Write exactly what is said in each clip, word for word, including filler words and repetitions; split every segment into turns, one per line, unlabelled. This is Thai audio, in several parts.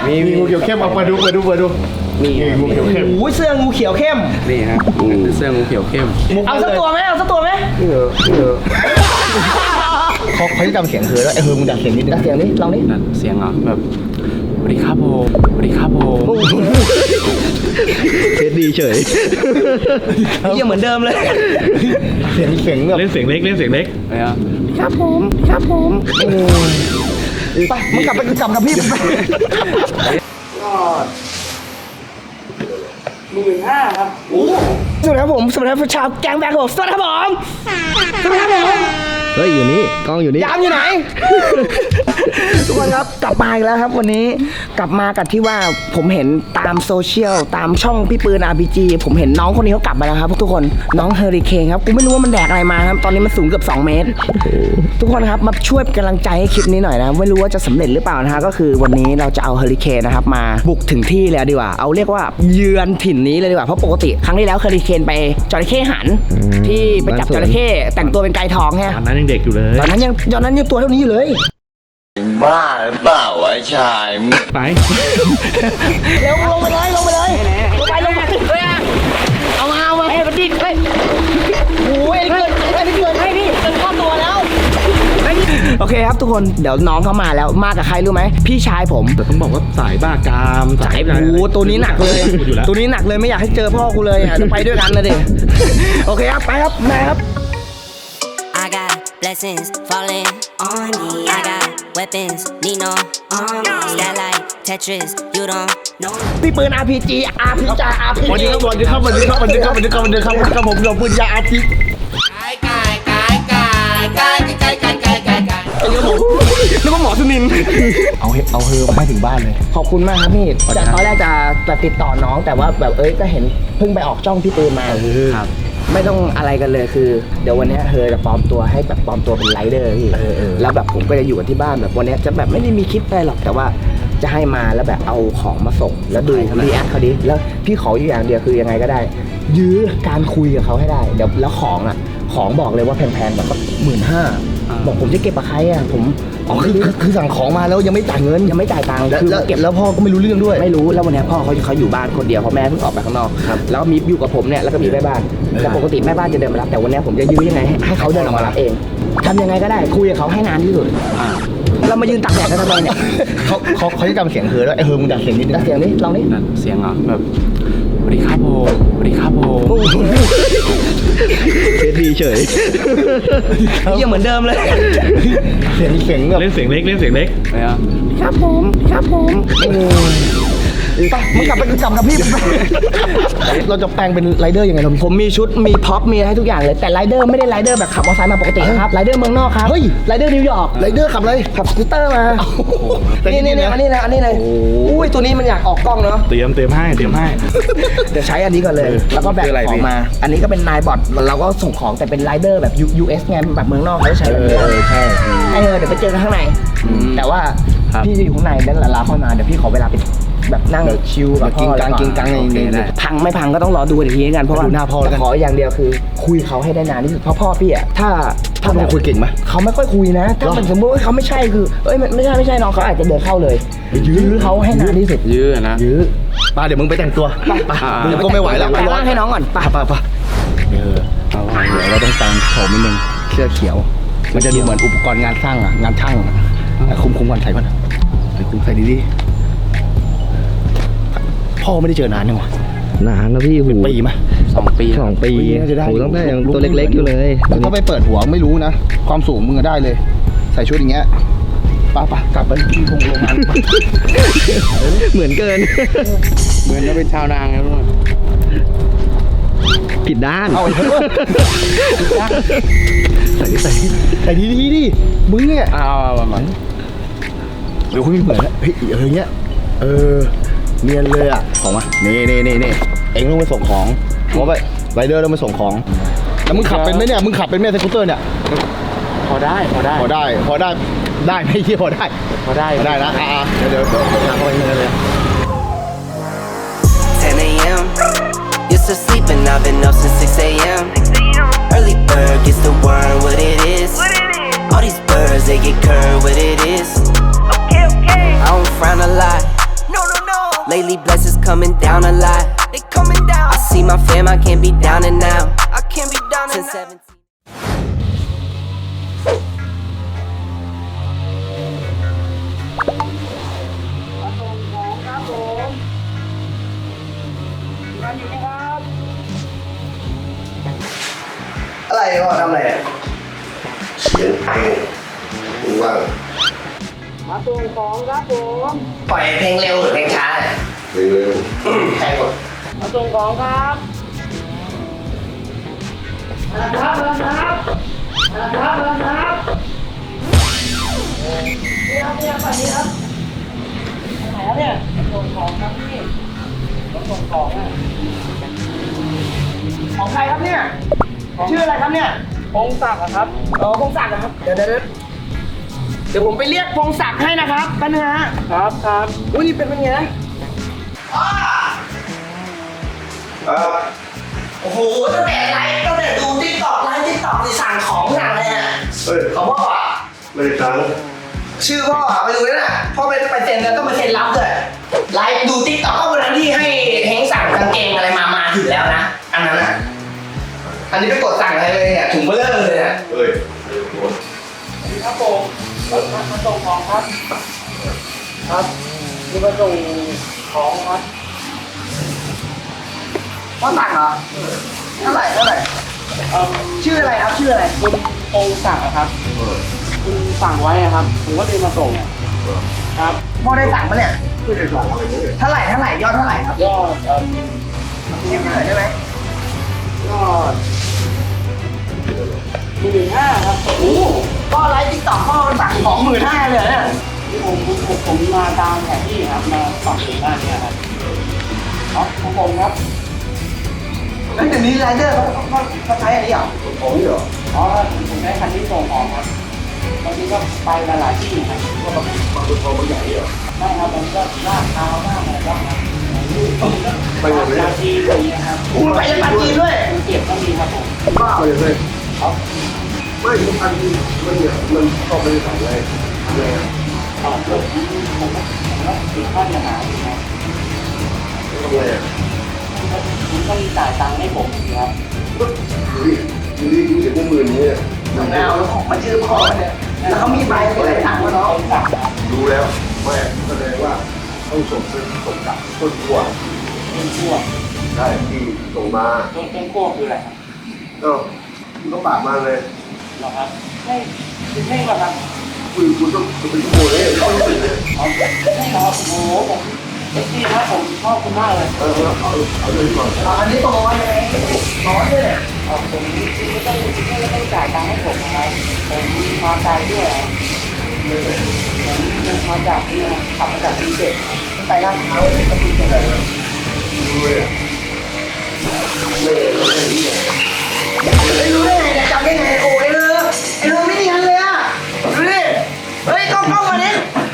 มีงูเขียวเข้มเอามาดูมาดูมาดูนี่งูเขียวเข้ม
โอ้ยเสื้องูเขียวเข้ม
นี่ฮะเสื้องูเขียวเข้ม
เอาสักตัวไหมเอาสักตัวไหม
เออเออเขาเขาจะจำเสียงเธอแล้วไอ้เธอมึงดัดเสียงนิดนึง
ดัดเสียงนี้ลองนี้
เสียงอ่ะแบบสวัสดีครับผมสวัสดีครับผม
เทสดีเฉย
ยังเหมือนเดิมเลย
เสียงเสียงแบบ
เล่นเสียงเล็กเล่นเสียงเล็ก
ครับผมครับผมไปมึงกลับไปกลับกับพี่ไปหมื่นห้าครับสวัสดีครับผมสวัสดีครับชาวแกงแบกผมสวัสดีครับผมสวัสดีครับผม
เฮ้ยอยู่นี่กล้องอยู่นี่
ยามอยู่ไหนทุกคนครับกลับมาอีกแล้วครับวันนี้กลับมากับที่ว่าผมเห็นตามโซเชียลตามช่องพี่ปืน อาร์ พี จี ผมเห็นน้องคนนี้เขากลับมาแล้วครับทุกคนน้องเฮอริเคนครับกูไม่รู้ว่ามันแดกอะไรมาครับตอนนี้มันสูงเกือบสองเมตรทุกคนครับมาช่วยเป็นกำลังใจให้คลิปนี้หน่อยนะไม่รู้ว่าจะสำเร็จหรือเปล่านะฮะก็คือวันนี้เราจะเอาเฮอริเคนนะครับมาบุกถึงที่เลยดีกว่าเอาเรียกว่าเยือนถิ่นนี้เลยดีกว่าเพราะปกติครั้งที่แล้วเฮอริเคนไปจระเข้หันที่ไปจับจระเข้แต่งตัวเป็นไก่ทองไง
ตอนนั้นยังเด็กอยู่เลย
ตอนนั้นยังตอนนั้นยังตัวเท่านี้อยู่เลย
บ้าหรือเปล่าวะชาย
ไป
เร็วลงไปเลยลงไปเลยลงไปลงไปเอามาเอามาเฮ้ยมันดิ้นเฮ้ยโอ้ยเกินเกินเกินให้พี่เกินข้อตัวแล้วโอเคครับทุกคนเดี๋ยวน้องเขามาแล้วมากับใครรู้ไหมพี่ชายผม
แต่ต้องบอกว่าสายบ้ากาม
สายโอ้ตัวนี้หนักเลยตัวนี้หนักเลยไม่อยากให้เจอพ่อกูเลยจะไปด้วยกันเลยดิโอเคครับไปครับแม่ครับ
I got blessings falling on me. I got weapons, need no army. That like Tetris, you don't know.
พี่ปืน อาร์ พี จี อาร์ พี จี อาร์ พี จี
วันนี้ครับวันนี้ครับวันนี้ครับวันนี้ครับวันนี้ครับวันนี้ครับวันนี้ครับผมเราปืนยาอาร์พี
กายกายกายกายกายกายกายกายกายกาย
ไอ้เรื่องผมนึกว่าหมอสุนิน
เอาเอาเฮอมาให้ถึงบ้านเลย
ขอบคุณมากครับพี่จากตอนแรกจะจะติดต่อน้องแต่ว่าแบบเอ้ยก็เห็นเพิ่งไปออกจ้องพี่ปืนมาครับไม่ต้องอะไรกันเลยคือเดี๋ยววันนี้เธอจะปลอมตัวให้แบบปลอมตัวเป็นไรเดอร์พี่แล้วแบบผมก็จะอยู่กันที่บ้านแบบวันนี้จะแบบไม่ได้มีคลิปอะไรหรอกแต่ว่าจะให้มาแล้วแบบเอาของมาส่งแล้วดูรีแอคเขาดิแล้วพี่ขออยู่อย่างเดียวคือยังไงก็ได้ยื้อการคุยกับเขาให้ได้เดี๋ยวแล้วของอ่ะของบอกเลยว่าแพงๆแบบหมื่นห้าบอกผมจะเก็บกับใครอ่ะผม
อ๋อคือคือสั่งของมาแล้วยังไม่จ่ายเงิน
ยังไม่จ่ายตังค์
คือเก็บแล้วพ่อก็ไม่รู้เรื่องด้วย
ไม่รู้แล้ววันนี้พ่อเขาเขาอยู่บ้านคนเดียวเพราะแม่เพิ่งออกไปข้างนอกแล้วมีอยู่กับผมเนี่ยแล้วก็มีแม่บ้านแต่ปกติแม่บ้านจะเดินมารับแต่วันนี้ผมจะยื้อยังไงให้เขาเดินออกมารับเองทำยังไงก็ได้คุยกับเขาให้นานที่สุดเรามายืนตักแดดกันทำไมเนี่ย
เขาเขาเขาจะจำเสียงเธอแล้วไอ้เธอมึงดัดเสียงนิดนึง
ดัดเสียงนี้ลองนี้
เสียงอ่ะแบบสวัสดีครับผมสวัสดีครับผม
เทสดีเฉย
ยังเหมือนเดิมเลย
เสียงเสียงแบบ
เล่นเสียงเล็กเล่นเสียงเล็ก
ครับผมครับผมไปมึงกลับไปกลับกับพี่
เราจะแปลงเป็นไรเดอร์ยังไง
ผมมีชุดมีพ็อปมีให้ทุกอย่างเลยแต่ไรเดอร์ไม่ได้ไรเดอร์แบบขับมอเตอร์ไซค์มาปกติครับไรเดอร์เมืองนอกครับ
เฮ้ย
ไรเดอร์นิวยอร์ก
ไรเดอร์ขับอะไร
ขับสกูตเตอร์มานี่นี่นี่อันนี้นะอันนี้เลยอุ้ยตัวนี้มันอยากออกกล้องเนาะ
เตรียมเตรียมให้เตรียมให้
เดี๋ยวใช้อันนี้ก่อนเลยแล้วก็แบกของมาอันนี้ก็เป็นนายบอทเราก็ส่งของแต่เป็นไรเดอร์แบบ ยู เอส ไงแบบเมืองนอกเขาใช้แบบนี้
ใช่
ไอ้เออเดี๋ยวไปเจอกันข้างในแต่ว่าพี่จะอยู่ข้างในแล้วลาเข้ามาเดี๋ยวพี่ขอเวลาไปแบบนั่งชิลกับพ่อแล้วก็พังไม่พังก็ต้องรอดูอีกทีกันเพราะว่าขออย่างเดียวคือคุยเขาให้ได้นานที่สุดเพราะพ่อพี่อ่ะถ้า
ถ้าเราคุยเก่งไหม
เขาไม่ค่อยคุยนะถ้าสมมติว่าเขาไม่ใช่คือเอ้ยไม่ใช่ไม่ใช่น้องเขาอาจจะเดินเข้าเลยยื้อเขาให้นานที่สุด
ยื้อนะ
ยื้อป้าเดี๋ยวมึงไปแต่งตัว
ไป
มึงก็ไม่ไหวแล้ว
ไปล้างให้น้องก่อน
ป้าป้าป้าเดี๋ยวเราต้องแต่งโฉมนิดนึงเสื้อเขียวมันจะดูเหมือนอุปกรณ์งานสร้างอ่ะงานช่างคุมคุมก่อนใส่ก่อนใส่คุมใส่ดีๆพ่อไม่ได้เจอนานยังวะ
นานแล้วพี่หู
ปีไหม
สองปี
สองปีหูตั้งแต่ยังตัวเล็กๆอยู่เลย
เขาไปเปิดหัวไม่รู้นะความสูงมึงก็ได้เลยใส่ชุดอย่างเงี้ยป้าป้ากลับไปที่โรงงาน
เหมือนเกิน
เหมือนจะเป็นชาวนางแล้วด้วย
ผิดด้าน
เอาใส่ใส่ใส่ดีดีดิมึงเนี่ย
เอาประมาณ
เดี๋ยวคุณเหมือนเฮ้ยเออเงี้ยเออเนียนเลยอ่ะของมานี่นี่นี่นี่เอ็งต้องไปส่งของเพราะไปไรเดอร์ต้องไปส่งของแล้วมึงขับเป็นไหมเนี่ยมึงขับเป็นไหมสกูตเตอร์เนี่ย
พอได้พอได้
พอได้พอได้ได้ไม่เที่ยวพอได้
พอได้
ได้นะอ่าเดี๋ยวเดี๋ยวเดี๋ยวหาเขาเองเลย
ten a m Used to sleep and I've been up since six a m Early bird gets the worm what it is All these birds they get curved what it is I don't frown a lot No
Lately, blessings coming down a lot. They coming down. I see my fam, I can't be down and out. I can't be down and out. seventeen.
อะไรพ่อทำอะไรอะ
เสียงเพลงมึงว่าง
ปล่อยเพลงเร็วหรือเพลงช้าเนี่ย
เพลงเร็ว
ใครกดมาส่งของครับมาครับมาครับมาครับมาครับนี่ครับนี่ครับฝั่งนี้ครับไหนครับเนี่ยส่งของครับพี่ส่งของอ่ะของใครครับเนี่ยชื่ออะไรครับเนี่ยพงศักดิ์ครับอ๋อพงศักดิ์นะครับเดี๋ยวเดี๋ยวเดี๋ยวผมไปเรียกพงศักดิ์ให้นะครับแป๊บนึงฮะครับครับอุ้ยนี่เป็นเป็นไง โอ้โหตั้งแต่ไลฟ์ตั้งแต่ดูติ๊กต็อกไลฟ์ติ๊กต็อกนี่สั่งของสั่งอะไรอ่ะ
เฮ้ย
ของพ่ออ่ะ
ไม่ได้ตังค์
ชื่อพ่ออ่ะไปดูด้วยนะพ่อไปไปเซ็นแล้วต้องไปเซ็นรับด้วยไลฟ์ดูติ๊กต็อกก็วันนั้นที่ให้เฮงสั่งกางเกงอะไรมามาถึงแล้วนะอันนั้นอ่ะอันนี้ไปกดสั่งอะไรเลยเนี่ยถุงเบลเลอร์เลยอ่ะ
เฮ้ย
ครับผมมามาส่งของครับครับนี่มาส่งของครับพ่อสั่งเหรอเท่าไหร่เท่าไหร่ชื่ออะไรครับชื่ออะไร
คุณพงศักดิ์อะครับคุณสั่งไว้อะครับ ผมก็เลยมาส่งครับ
พ่อได้สั่งปะเนี่ย
ไม่ได้สั่งอะไรเลย
เท่าไหร่เท่าไหร่ยอดเท่าไหร่ครับ
ยอดเอ่อ
เรียกหน่อยได้ไหม
ยอดหมื่นห้าครับ
โอ้พ่อไลฟ์ติ๊กต็อกพ่อสั่งของหมื่นห้าเลยเนี่ย
ที่ผมผมผมผมมาตามแผนที่ครับ มาฝั่งถึงด้านเนี้ยครับครับของผมครับ
แล้วเดี๋ยวนี้ไรเดอร์เขาเขาเขาใช้อันนี้เหรอ
ของนี่เหรอ
อ๋อผมได้คันที่ส่งของครับบางทีก็ไปหลายๆที่ครับ
ก็มาบางคนทองบางใหญ่เหรอ
ได้ครับมันก็ลาดเท้ามากเลยครับ
ไปหมดเลย
ลาดทีมีนะครับ
คุณไปยังปันจีนด้วย
มันเก็บก็มีครับผม
ไปเลยไม่ทุกอันมันเนี่ยมันเข้าไปในสายเลยทำไงอ่ะ
ต่อเพิ่มผมผมผมก็ติดข้อเสียหายนะครับ
ทำไงอ่ะ
คุณต้องจ่ายตังค์ให้ผมครับ
ดูดิดูดิดูเสียงพวกมือนี้เนี่ย
เอาแล้วของมาชื่อพ่อเนี่ยแล้วเขามีใบอะไรสั่งมาเนาะ
รู้แล้วแม่แสดงว่าต้องส่งเป็นส่งกลับต้นขั้ว
เป็นขั้ว
ได้ที่ส่งมา
ต้นเป็นขั้วคืออะไรครับ
เอ้าคุณก็ปากมาเลย
เหรอครับไม่ไม่หรอกครับ
คุณคุณต้องเป็นขั้วเลยต้องเป็นเลย
เอาไม่หรอกโอ้โหผมเซ็กซี่นะผมชอบคุณมากเลย
เออเอาเอาเลยก่อน
อ๋ออันนี้ตรงร้อยยังไงร้อยด้วยเนี่ย
เอาผมไม่ต้องไม่ต้องจ่ายตังค์ให้ผมนะครับผมมาไกลด้วยอะผมมาจากนี่นะขับมาจากกรุงเทพ
ไปร้านเขาเลยก็มีอะไร
ดูเลยอ่ะไม่ไม่รู้เลย
ไม่รู้ได้ไงเนี่ยจำได้ไงโอ้ยเลยไอ้เรื่องไม่เนียนเลยอ่ะดูดิเฮ้ยกล้องกล้องมาดิ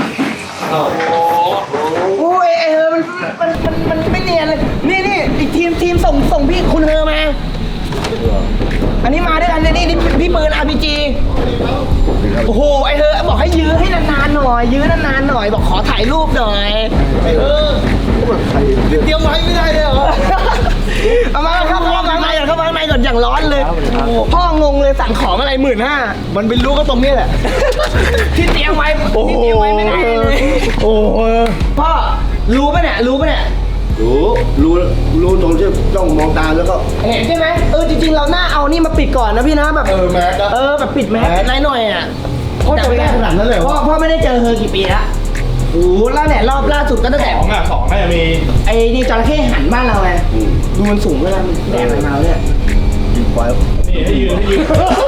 โอ้ยไอ้เฮอมันมันมันมันไม่เนียนเลยนี่นี่อีกทีมทีมส่งส่งพี่คุณเฮอมา อันนี้มาด้วยกันเลยนี่นี่พี่ปืน อาร์ พี จี โอ้โหไอ้เธอบอกให้ยื้อให้นานๆหน่อย ยื้อนานๆหน่อยบอกขอถ่ายรูปหน่อยไอ้เออเตรียมไว้ไม่ได้เลยเหรอเอามาเข้ามาข้างในก่อนเข้ามาข้างในก่อนอย่างร้อนเลยพ่องงเลยสั่งของอะไรหมื่นห้ามันเป็นรู้ก็ตรงนี้แหละ ที่เตรียมไว้ที่เตรียมไว้ไม่ได้เลยโอ้พ่อรู้ปะเนี่ยรู้ปะเนี่ย
รู้รู้รู้ตรงที่จ้องมองตาแล้วก็
เห็นใช่ไหมเออจริงๆเราหน้าเอานี่มาปิดก่อนนะพี่นะแบบ
เออแมสนะ
เออแบบปิดแมสหน่อยหน่อยอ่ะ
พ่อจำได้ขนาดนั้นเลยเหรอ
พ่อพ่อไม่ได้เจอเธอกี่ปีละโอ้โหแล้วเนี่ยรอบล่าสุดก็ตั้งแต่
สองอ่ะสองน่าจะมี
ไอ้นี่จระเข้หันบ้านเราไงดูมันสูงเลยนะมันแดดมันมาเนี่ย
ยิงควาย
นี่ให้ยืนให้ยืน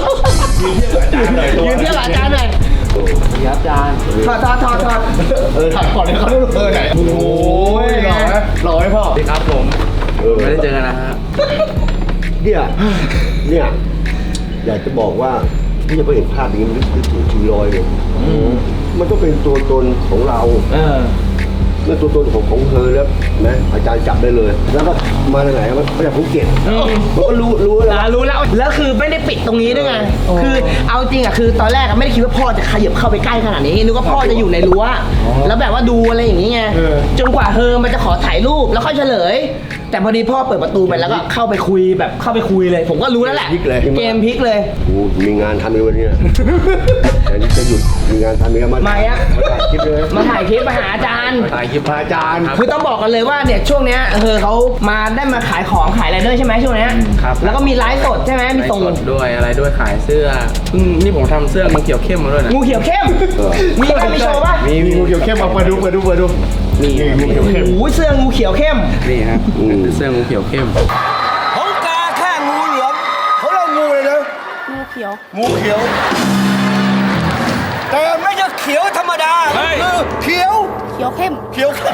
ยืนเทียบกับอาจารย์หน่อยตัว
ยืนเทียบกับอาจารย์หน่อย
ครับอาจารย์
ถอดถอดถอดถอด
เออถ่ายก่อนเลยเขาดูเออไหนโอ้ยหล่อไหมหล่อไหมพ่อ
สวัสดีครับผม ไม่ได้เจอกันนะฮะ
เนี่ยเนี่ยอยากจะบอกว่าที่จะไปเห็นภาพอย่างนี้มันนึกถึงชีลอยเลยมันต้องเป็นตัวตนของเรา
เออ
ค
มื่อตัวตนของของเธอแล้วนะอาจารย์จับได้เลย แล้วก็มาจากไหนมาจากภูเก็ตผมก็รู้รู้แล้ว
อ่ารู้แล้วแล้วคือไม่ได้ปิดตรงนี้ด้วยไงคือเอาจริงอ่ะคือตอนแรกอะไม่ได้คิดว่าพ่อจะขยับเข้าไปใกล้ขนาดนี้นึกว่าพ่อจะอยู่ในรั้วแล้วแบบว่าดูอะไรอย่างนี้ไงจนกว่าเฮอมันจะขอถ่ายรูปแล้วค่อยเฉลย แต่พอดีพ่อเปิดประตูไปแล้วก็เข้าไปคุยแบบเข้าไปคุยเลย ผมก็รู้แล้วแหละเกมพลิกเลย
โอ้มีงานทำในวันนี้แต่นี่จะหยุดมีงานทำมีงานมา
มาอะ
ถ่ายคลิปเลย
มาถ่ายคลิปมาหาอาจารย์
ถ่ายคลิปพระอาจารย์
คือต้องบอกกันเลยว่าเนี่ยช่วงเนี้ยเออเขามาได้มาขายของขายอะไรด้วยใช่ไหมช่วงเนี้ย
ครับ
แล้วก็มีไลฟ์สดใช่ไหมมี
ไลฟ์
ส่ง
สดด้วยอะไรด้วยขายเสื้ออืมนี่ผมทำเสื้องูเขียวเข้มมาด้วยนะ
งูเขียวเข้มมีไหมมีโชว์ป่ะ
มีมีงูเขียวเข้มเอาเปิดดูเปิดดูเปิดดูนี่งูเขียวเข้ม
โอ้ยเสื้องูเขียวเข้ม
นี่ครับเป็นเสื้องูเขียวเข้ม
ของกาแค่งูเหลือมเขาเรียกงูเลยนะ
งูเขียว
งูเขียว แต่ไม่ใช่เขียวธรรมดาคือเขียว
เขียวเข้ม
เขียวเข้ม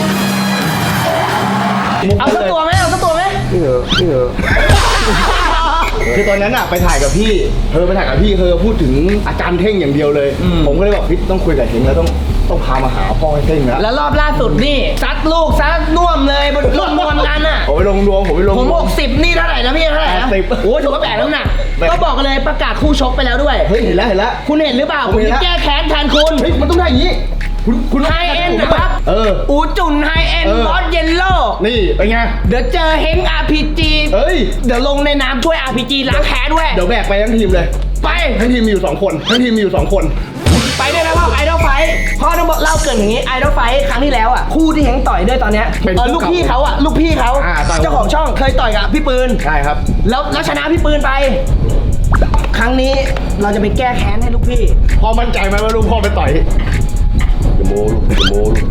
เอาสักตัวไหมเอาสักตัวไหม
นี่เหรอนี่เหรอ
คือตอนนั้นอะไปถ่ายกับพี่เธอไปถ่ายกับพี่เธอพูดถึงอาจารย์เท่งอย่างเดียวเลย ผมก็เลยบอกพี่ต้องคุยกับเท่งแล้วต้องต้องพามาหาพ่อให้เท่งนะ
แล้วรอบล่าสุดนี่ซัดลูกซัดน่วมเลยบนรถมวนกันอ่ะ
ผมไปลงรวมผมไปลง
ผม
รว
หกสิบนี่เท่าไหร่นะพี่เท่าไหร่นะ
แปดสิบ
โอ้ยถือว่าแปดแล้วหนัก
แปด
ก็บอกกันเลยประกาศคู่ชกไปแล้วด้วย
เฮ้ยเห็นแล้วเห็นแล้ว
คุณเห็นหรือเปล่า
ผ
ผม ม
เห็นแล้
จะ
ว
แก้แค้นแทนคุณ
เฮ้ยมันต้องได้อย่างนี้คุณคุณ
ไฮเอ็นนะครับ
เออ
อูจุนไฮเอ็น
เออ
บอสเยลโล่
นี่เป็นไง
เดี๋ยวเจอเฮง อาร์ พี จี
เอ้ย
เดี๋ยวลงในน้ำช่วย อาร์ พี จี ล้างแค้นด้วย
เดี๋ยวแบกไปทั้งทีมเลย
ไป
ทั้งทีมมีอยู่สองคนทั้งทีมมีอยู่สองคน
ไปด้วยนะพ่อไอดอลไฟพ่อต้องบอกเล่าเกรินอย่างนี้ไอดอลไฟครั้งที่แล้วอ่ะคู่ที่เฮงต่อยด้วยตอนเนี้ย
เป็น
เออ
คู่
ลูก
เก่า
พี่เขาอ่ะลูกพี่เขา
อ่าต่อย
เจ้าของช่องเคยต่อยกับพี่ปืน
ใช่ครับ
แล้วแล้วชนะพี่ปืนไป ครั้งนี้เราจะไปแก้แค้นให้ลูกพี่
พ่อมั่นใจไหมว่าลูกพ่อไปต่อย
จะโมลูกจะโมลูก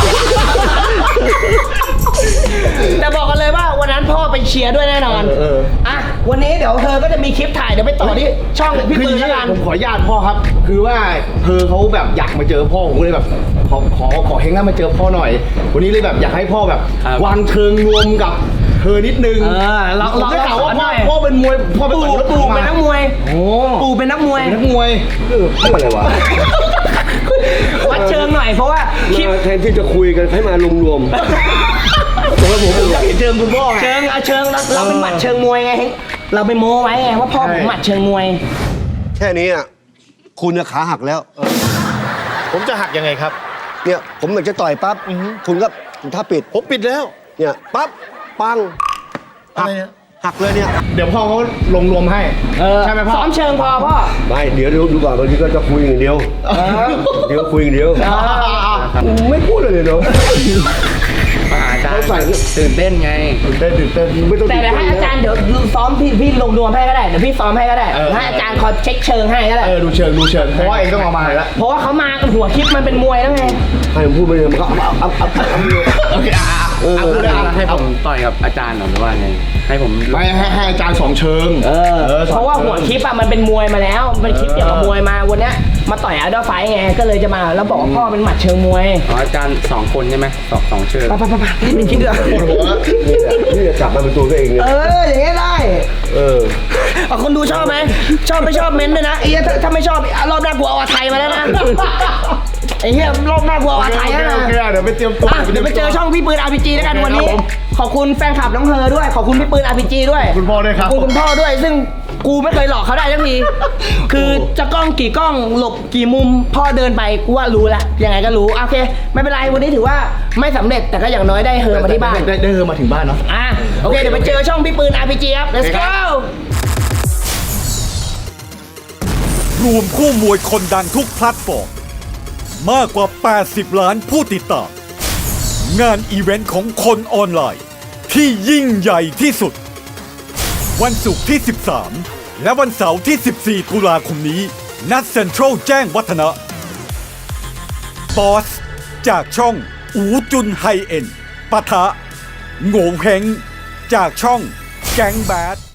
แต่บอกกันเลยว่าวันนั้นพ่อไปเชียร์ด้วยแน่นอน
เออเออ
อ่ะวันนี้เดี๋ยวเธอก็จะมีคลิปถ่ายเดี๋ยวไปต่อที่ช่องพี่
คือ
ปืน
อย่าง
แล้ว
นี้
กัน
ผมขออนุญาตพ่อครับ คือว่าเธอเขาแบบอยากมาเจอพ่อผมก็เลยแบบขอขอขอเฮงให้มาเจอพ่อหน่อย วันนี้เลยแบบอยากให้พ่อแบบ
ครับ
วางเชิงรวมกับเธอนิดนึง
เออเรา
ผม
เรา
ได้ข่าวว่า
สอนห
พ่
น่
อ
อย
พ่อเป็นมวยพ่อเป็น
ปู่
ต่อยรถ
ปู่
มา
เป็นนักมวย
โอ้
ปู่เป็นนักมวย
เป็นนักมวย
เออเพื่ออะไรวะ
วัดเชิงหน่อยเพราะว่าคลิป
มาแทนที่จะคุยกันให้มารวมรวมๆแต่ว่าผมอยากเห็นเชิงคุณพ่อไง
เชิงอะเชิงเราเราเป็นหมัดเชิงมวยไงเฮ้ยเราไปโม้ไว้ไงว่าพ่อผมหมัดเชิงมวย
แค่นี้อ่ะคุณจะขาหักแล้ว
ผมจะหักยังไงครับ
เนี่ยผมอยากจะต่อยปั๊บคุณก็ถ้าปิด
ผมปิดแล้ว
เนี่ยปั๊บปังหักหักเลยเนี่ย
เดี๋ยวพ่อเขาลงรวมให้
เออ
ใช่ไหมพ่อ
ซ้อมเชิงพอพ่อ
ไม่เดี๋ยวดูดูก่อนบางทีก็จะคุยอย่างเดียวเดี๋ยวคุยอย่างเดียวไม่พูดเลยเลยเนาะ
มาหาอาจารย์
เขาใส่
ตื่นเต้นไง
ตื่นเต้นตื่นเต้น
ไม่ต้อง
แต่เดี๋ยวให้อาจารย์เดี๋ยวซ้อมพี่พี่ลงรวมให้ก็ได้เดี๋ยวพี่ซ้อมให้ก็ได้
เออ
ให้อาจารย์คอยเช็คเชิงให้ก็ได้
เออดูเชิงดูเชิงเพราะว่าเองต้องเอามาแล้ว
เพราะว่าเขามากันหัวคลิปมันเป็นมวยแล้วไง
ให้ผมพูดไปเลยมันก็อัพอัพอัพอัพอัพ
โอเคอ่ะอ่ะ
เออ
เอาเลยอ่ะ
ให้ผมต่อยกับอาจารย์เหรอหรือว่าไง ให้ผม
ไม่ให้ให้อาจารย์สองเชิง
เออ
ออสอง
เพราะว่าหัวคลิปอะมันเป็นมวยมาแล้วมันคลิปเกี่ยวกับมวยมาวันเนี้ยมาต่อยไอดอลไฟไงก็เลยจะมาแล้วบอกว่าพ่อเป็นหมัดเชิงมวย
อ๋ออาจารย์สองคนใช่ไหมสองสองเชิญ
ไปไปไปไปนี่เป็นคลิปเดือด
นี่แหละนี่จะจับมาเป็นตัวตัวเองเนี่ย
เอออย่างเงี้ยได้
เออ
เอาคนดูชอบไหมชอบไม่ชอบเม้นต์ด้วยนะไอ้เหี้ยถ้าถ้าไม่ชอบรอบหน้ากูเอาอาไทยมาแล้วนะไอ้เหี้ยรอบหน้ากูเอาอาไทยแล้วนะ
โอเคโอเคเดี๋ยวไปเตรียมตัว
อ่ะเดี๋ยวไปเจอช่องพี่ปืน อาร์ พี จี แล้วกันวันนี้ ขอบคุณแฟนคลับน้องเฮอด้วย ขอบคุณพี่ปืน อาร์ พี จี ด้วย
คุณพ่อด้วยครับ
ขอบคุณคุณพ่อด้วย ซึ่งกูไม่เคยหลอกเขาได้ทักที คือจะกล้องกี่กล้องหลบกี่มุมพ่อเดินไปกูว่ารู้ละยังไงก็รู้โอเค ไม่เป็นไรวันนี้ถือว่าไม่สำเร็จแต่ก็อย่างน้อยได้เฮอมาที่บ้าน
ได้ได้เฮอมาถึงบ้านเนาะ
อ่ะโอเคเดี๋ยวไปเจอช่องพี่ปืน อาร์ พี จี ครับ let's go
รวมคู่มวยคนดังทุกแพลตฟอร์มมากกว่า แปดสิบ ล้านผู้ติดตาม งานอีเวนต์ของคนออนไลน์ที่ยิ่งใหญ่ที่สุด วันศุกร์ที่ สิบสาม และวันเสาร์ที่ สิบสี่ ตุลาคมนี้ณเซ็นทรัลแจ้งวัฒนะบอสจากช่องอูจุนไฮเอ็นปะทะโง่เฮงจากช่องแก๊งแบด